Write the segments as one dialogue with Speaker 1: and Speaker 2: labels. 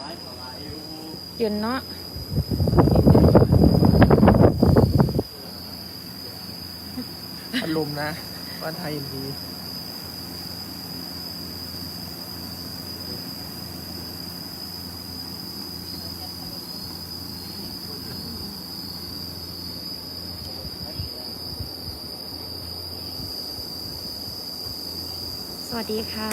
Speaker 1: เย็นเนาะ
Speaker 2: อารมณ์นะบ้านไทยยินดี
Speaker 1: สวัสดีค่ะ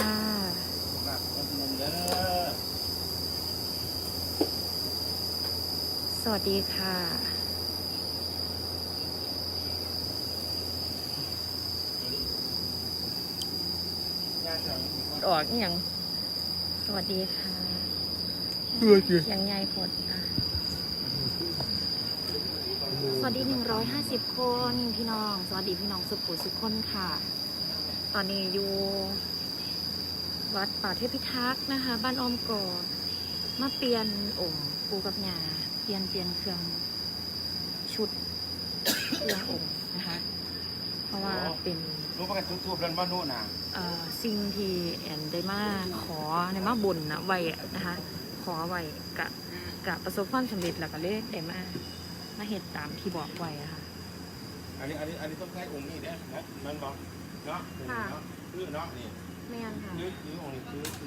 Speaker 1: สวัสดีค่ะออกอย่างสวัสดีค่ะอย่างใหญ่ผดค่ะสวัสดี150 คนพี่น้องสวัสดีพี่น้องสุขุสุขคนค่ะตอนนี้อยู่วัดป่าเทพิทักษ์นะคะบ้านอ้อมกอดมาเปลี่ยนองค์ปูกับยาเปลี่ยนเครื่องชุดเครื่ององค์นะคะเพราะว่าเป็น
Speaker 3: รู้ประกันทุบๆเรื่องบ้านนู้นนะ
Speaker 1: สิ่งที่แอนได้มาขอในมาบุญนะไว้นะคะขอไว้กะประสบความสำเร็จแล้วก็เลยได้มาเหตุตามที่บอกไว้อะค่ะ
Speaker 3: อันนี้ต้องใช้องค์นี้เนี่ยนะมันบอกเนาะคือเนาะนี่
Speaker 1: ไม่งั้นค่ะ
Speaker 3: คือองค์นี้คือ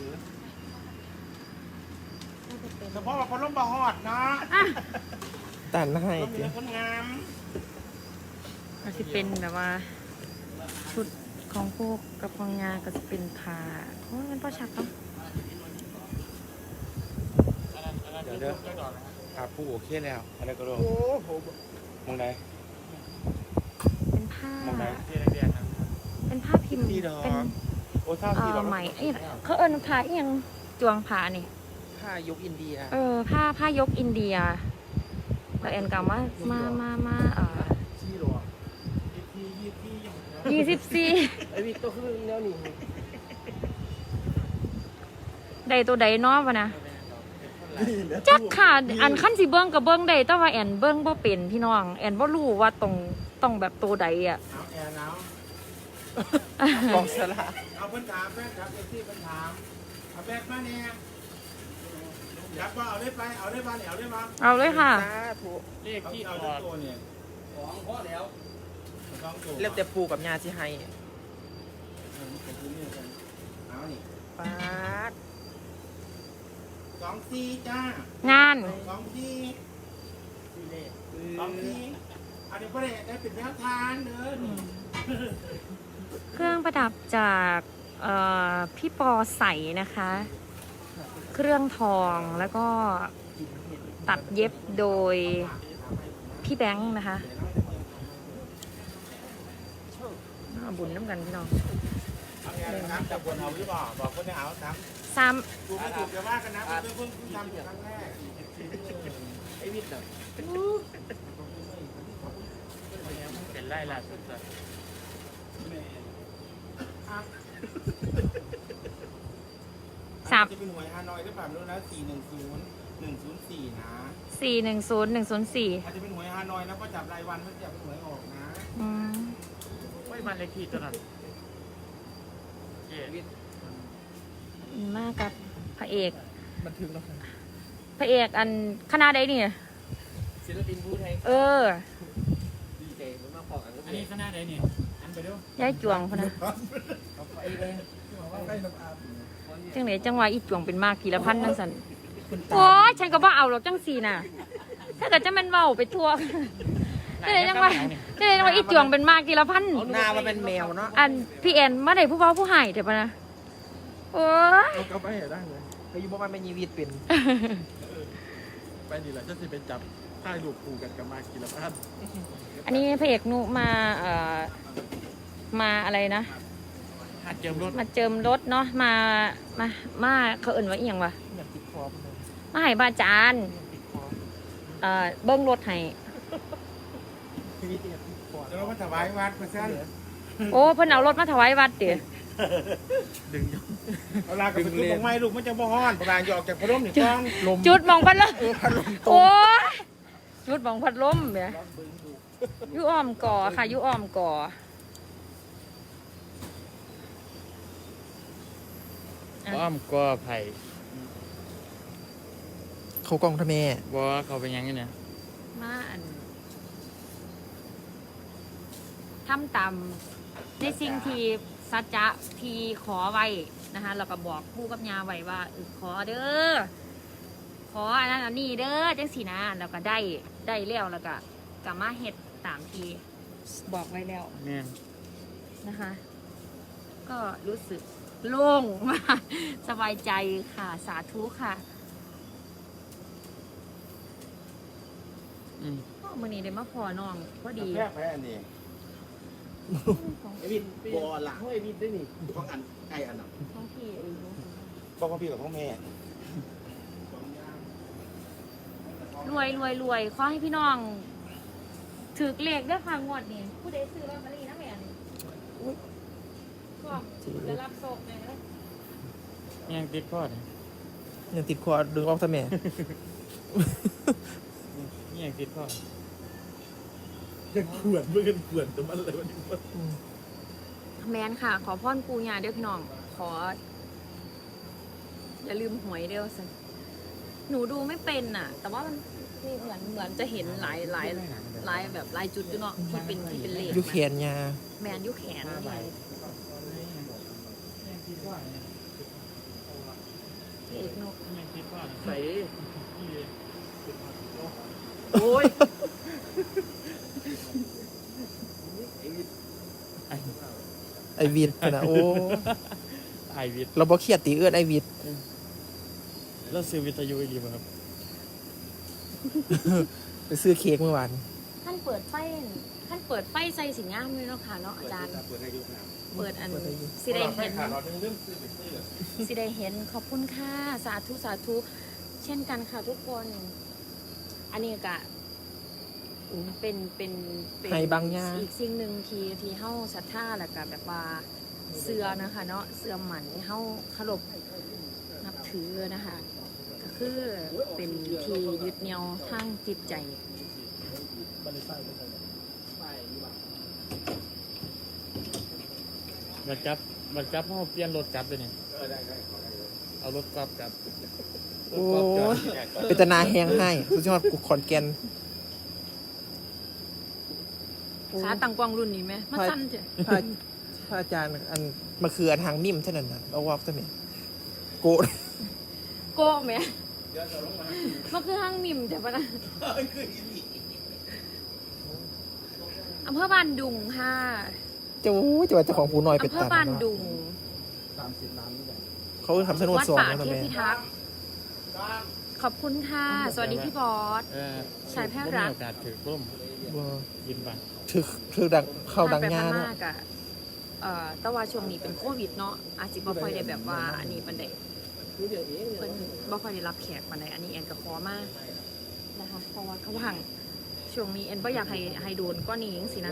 Speaker 1: เฉ
Speaker 3: เฉพาะว่าคนล้มบะฮอดนะ
Speaker 2: ตันให้
Speaker 3: ต้องมีคนงาม
Speaker 1: ก็จะเป็นแบบว่าชุดของพวกกับของงาก็จะเป็นผ้าโอ้ยมันพอชัดเนาะ
Speaker 3: เดี๋ยวครับผู้โอเคแล้วอะไรก็รู้มองไหน
Speaker 1: เป็นผ้าเป็นผ้าพิมพ์เป็น
Speaker 3: โอ้ท่าที่ดอก
Speaker 1: ไหมเขาเอิ้นผ้าเอียงจวงผ้านี่
Speaker 2: ผ้ายกอินเดีย
Speaker 1: ผ้ายกอินเดียแล้วแอนกล่าวว่ามา24
Speaker 2: ไอวิกตัวคือแนวนี้
Speaker 1: ใดตัวใดเนาะวะนะจักค่ะอันขั้นสิเบิ้งกับเบิ้งได้แต่ว่าแอนเบิ้งบ่เป็นพี่น้องแอนบ่รู้ว่าต้องแบบตัวใดอ่ะ
Speaker 3: เอาแอนเอา
Speaker 2: กองสลาก
Speaker 3: เอาเพิ่นถามแม่ครับเอซี่เพิ่นถามเอาแบกมาเนี่ยยับว่าเอาได้ไปเอาได้บ้านเอาได้บ้าน
Speaker 1: เอาเลยค่ะ
Speaker 3: เลขที่เอาตัวเนี่ย2พอแล้ว
Speaker 2: เรียกแต่ปูกับยาที่ให้
Speaker 3: เอานี่
Speaker 2: ปาด
Speaker 3: 24จ้าง
Speaker 1: าน
Speaker 3: 24อันนี้ก็ได้เป็นแนวทางเด้อ
Speaker 1: เครื่องประดับจากพี่ปอใสนะคะ เครื่องทองแล้วก็ตัดเย็บโดยพี่แบงค์นะคะบุญน้ำกันพี่น้อง
Speaker 3: แต่บนเอาหรือเปล่าบอกคนจะเอาครับ
Speaker 1: 3
Speaker 3: ถูกไม่ถูกจะว่ากันนะเพิ่งทำครั้งแรก
Speaker 2: ไอ้วิทย์
Speaker 3: เป็นไล่ล่าสุดจะเป็นหวยฮานอยหรือเปล่าไม่รู้นะ410104นะ
Speaker 1: 410104
Speaker 3: อาจจะเป็นหวยฮานอยนะก็จับรายวันไม่จับเป็นหวยออกนะ
Speaker 2: ไม่มันเลขที่ตัวนั้น
Speaker 1: มากับพระเอก
Speaker 2: บันทึกแล้ว
Speaker 1: พระเอกอันคณะใดนี่
Speaker 2: ศิลปินผู้ไทยดีเจมาขออันนี้คณะใดนี่อันไปดู
Speaker 1: ย้ายจวงพนะจังไหนจังหวะอีจวงเป็นมากกี่ละพันนั่นสันโอ้ยฉันก็บ่เอาหรอกจังสีน่ะถ้าเกิดจะมันเบาไปทั่วจังไหนจังหวะอีจวงเป็นมากกี่ละพัน
Speaker 2: หน้ามันเป็นแมวเนาะ
Speaker 1: อันพี่แอนมาได้ผู้เบาผู้หายเดี๋ยวปะนะโอ้ย
Speaker 2: ก็ไปได้เลยไปอยู่บ้านไม่ยีวิตเป็นไปนี่แหละจะสิเป็นจับถ่ายรูปคู่กันกับมากี่ละพัน
Speaker 1: อันนี้พระเอกนุมาอะไรนะ
Speaker 2: มาเจิม
Speaker 1: รถเนาะมาเขาเอิ่นว่าอีหยังวะมาให้บาจานเบิ้งรถให้
Speaker 3: เรามาถวายวัดมาซั่น
Speaker 1: โอ้เพิ่นเอารถมาถวายวัดเดี๋ยว
Speaker 3: ดึงเวลากับจุดมองไม้ลูกมันจะบ่ฮ้อนประมาณหยอกจากพัดลมนี่กองลม
Speaker 1: จุดมองพัดลมโอ้จุดมองพัดลมเนี่ยยุอ้อมก่อค่ะยุอ้อมก่อ
Speaker 2: อ้อมก่อไผ่เขากล้องทำแม่
Speaker 4: บอกว่าเขาเป็นยังไงเนี่ย
Speaker 1: มาอันทำตามในสิ่งที่สัจจะที่ขอไว้นะคะแล้วก็บอกผู้กับยาไว้ว่าขอเด้อขออันนั้นอันนี้เด้อจังสีนะแล้วก็ได้แล้วก็กลับมาเฮ็ดตามที่บอกไว้แล้ว
Speaker 4: แม่น
Speaker 1: นะคะ ก็รู้สึกโล่งมากสบายใจค่ะสาธุค่ะ
Speaker 4: อืม
Speaker 1: มื่อนี้ได้มาพอน้องพอดี
Speaker 3: แพรแพ้อันนี้ไอ้วินบอหลังไอ้วินได้นี่ของอันไอ้อันนั้น
Speaker 1: ท้องพี่
Speaker 3: บอกของพี่กับของแม่
Speaker 1: รวยขอให้พี่น้องถือเลขด้วยค่ะงวดนี้ผู้ใดซื้อลอตเตอรี่นะแม่นี่ก็จะรับโชคเลยนะ
Speaker 4: ยังติดข้อเนี่ย
Speaker 2: ยังติดคอดึงออกทำแม่
Speaker 4: ยังติดข้อ
Speaker 3: ยังขวนเมื่อกันขวนแต่มันอะไรวันนี้
Speaker 1: แมนค่ะ ขอพรปูญาเด้อพี่น้อง ขอ อย่าลืมหวยเด้อสิหนูดูไม่เป็นน่ะ แต่ว่ามันเหมือนจะเห็นหลายแบบหลายจุดอยู่เนาะที่เป็นเลข
Speaker 2: อยุแขนยา
Speaker 1: แมนอยุแขนนี่ไง
Speaker 4: ยังติดข้อเนี่ย
Speaker 1: พี่เอกนก
Speaker 4: ยังติดข้อเนี่ย
Speaker 2: ใส่
Speaker 1: โอ้ย
Speaker 2: ไอวิดนะโอ้
Speaker 4: ไอวิทย์
Speaker 2: เราบ่เครียดตีเอื้อนไอวิด
Speaker 4: แล้วซื้อวิทยุอีกดีไหมครับ
Speaker 2: ไปซื้อเค้กเมื่อวาน
Speaker 1: ท่านเปิดไฟใส่สิงามเลยเนาะค่ะเนาะอาจารย์
Speaker 3: เปิดให้ดูครับ
Speaker 1: เปิดอัน
Speaker 2: เปิดให้ดู
Speaker 1: สิได้เห็น
Speaker 3: ขาดเราเรื่องซื้อไปซื้อ
Speaker 1: สิได้เห็นขอบคุณค่ะสาธุเช่นกันค่ะทุกคน อันนี้ก็เป็น
Speaker 2: ให้บางอย่าง
Speaker 1: อีกสิ่งหนึ่งที่เฮาศรัทธาแล้วก็แบบว่าเสือนะคะเนาะเสือหมันเฮาเคารพนับถือนะคะ ก็คือเป็นที่ยึดเหนี่ยวทางจิตใจ
Speaker 4: บัตรกลับเขาเปลี่ยนรถกลับเลยเนี่ยเอารถกลับกลับ
Speaker 2: โอ้ยเป็นตนาแหงให้สุดยอดกูขอนแก่น
Speaker 1: ขาตังกวางรุ่นนี้ไหมมาสั้นเถอะ
Speaker 2: พระอาจารย์อันมาคืออันทางนิ่มเท่านั้นนะเอาวอกซะแม่โกะ
Speaker 1: โกะไหมมันคือห้างมิมเดี๋ยวปะนะอำเภอบ้านดุงค่ะ
Speaker 2: จะว่าเจ้าของผู้น้อยเป็น
Speaker 1: อำเภอ
Speaker 2: ตัน
Speaker 1: บ้าน
Speaker 2: เนาะ
Speaker 1: ดุง
Speaker 3: 30 ล้านนี่แหละ
Speaker 2: เขาทำสนุน
Speaker 1: วัด
Speaker 2: สอง
Speaker 1: ป่า
Speaker 2: แล้ว
Speaker 1: เท
Speaker 2: นะ
Speaker 1: พ
Speaker 2: แม่
Speaker 1: พิทักษ์ขอบคุณค่ะ สวัสดีพี่บอส ชายแพทย์รัก
Speaker 4: มีโอกาสถือร่ม
Speaker 2: บ่
Speaker 4: ยินบัตร
Speaker 2: ถือดังเข้าดัง
Speaker 1: ผ่นไป
Speaker 2: งาน
Speaker 1: ผ่
Speaker 2: เนาะ
Speaker 1: มากอะแต่ว่าช่วงนี้เป็นโควิดเนาะอาจจะบ่ค่อยได้แบบว่าอันนี้ปันใดเพิ่นบ่ค่อยได้รับแขกปันใดอันนี้แอนก็ขอมากนะคะเพราะว่าเขาห่างช่วงนี้แอนบ่อยากให้โดนก็นี้จังสินะ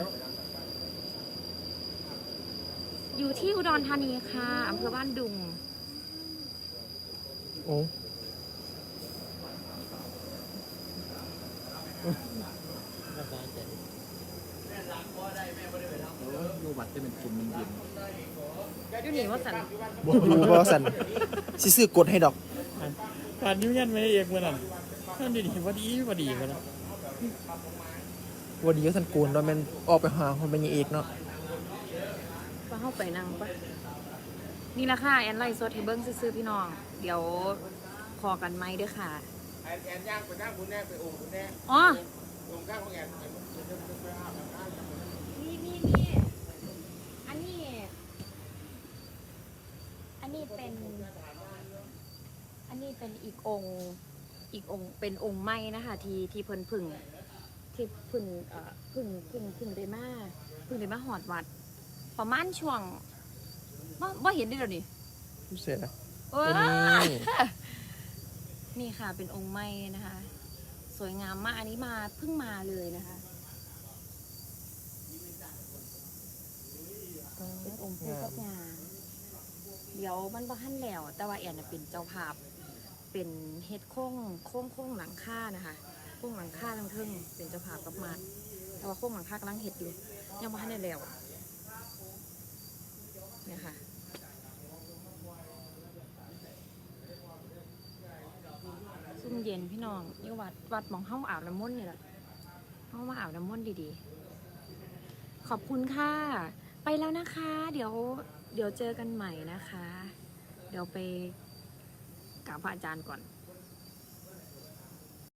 Speaker 1: อยู่ที่อุดรธานีค่ะอำเภอบ้านดุง
Speaker 2: โอ้
Speaker 4: น่าสนใจ
Speaker 3: ดูบัตรจะเป็นกลุ่มเย็น
Speaker 1: อยู่นี่ว่าสัน
Speaker 2: ดูบอสันสิซื้อกดให้ดอก
Speaker 4: ผ่านนิ้วยันไม่เอกเมื่อนั้นท่านดีพอดีกันนะ
Speaker 2: วันนี้ก็สันกูลเนาะแมันออกไปหาคนเป็นยังเอกเนาะ
Speaker 1: ว่าเข้าไปนั่งปะนี่ละค่ะแอนไลฟ์สดให้เบิ้งซื้อๆพี่น้อง เดี๋ยวพอกันไหมเด้วยค่ะ
Speaker 3: แอนย่างไปนั่งคุณแน่ไปโอ่งคุณแน่
Speaker 1: อ๋อ
Speaker 3: โอ่งข้างของแอนไปอาบน้ำ
Speaker 1: มีอันนี้เป็นอีกองค์เป็นองค์ไม้นะคะ ที่เพิ่นพึ่งได้มาหอดวัด ประมาณช่วงว่าเห็นได้แล้วนี่
Speaker 2: เสร็จแล้ว
Speaker 1: โอ้ย
Speaker 2: นี่
Speaker 1: นี่ค่ะเป็นองค์ไม้นะคะ สวยงามมากอันนี้มาเพิ่งมาเลยนะคะเป็นองค์ปู่กับย่าเดี๋ยวมันบ่ทันแล้ว แต่ว่าแอนน่ะเป็นเจ้าภาพเป็นเฮ็ดโค้งหลังคานะคะโค้งหลังคาทั้งเทิงเป็นเจ้าภาพกับมาแต่ว่าโค้งหลังคากำลังเฮ็ดอยู่ยังบ่ทันได้แล้วเนี่ยค่ะซุ่มมเย็นพี่น้องอยู่วัดหมองห้องอาบน้ำมนต์นี่แหละห้องมาอาบน้ำมนต์ดีๆขอบคุณค่ะไปแล้วนะคะ เดี๋ยวเจอกันใหม่นะคะ เดี๋ยวไปกราบพระอาจารย์ก่อน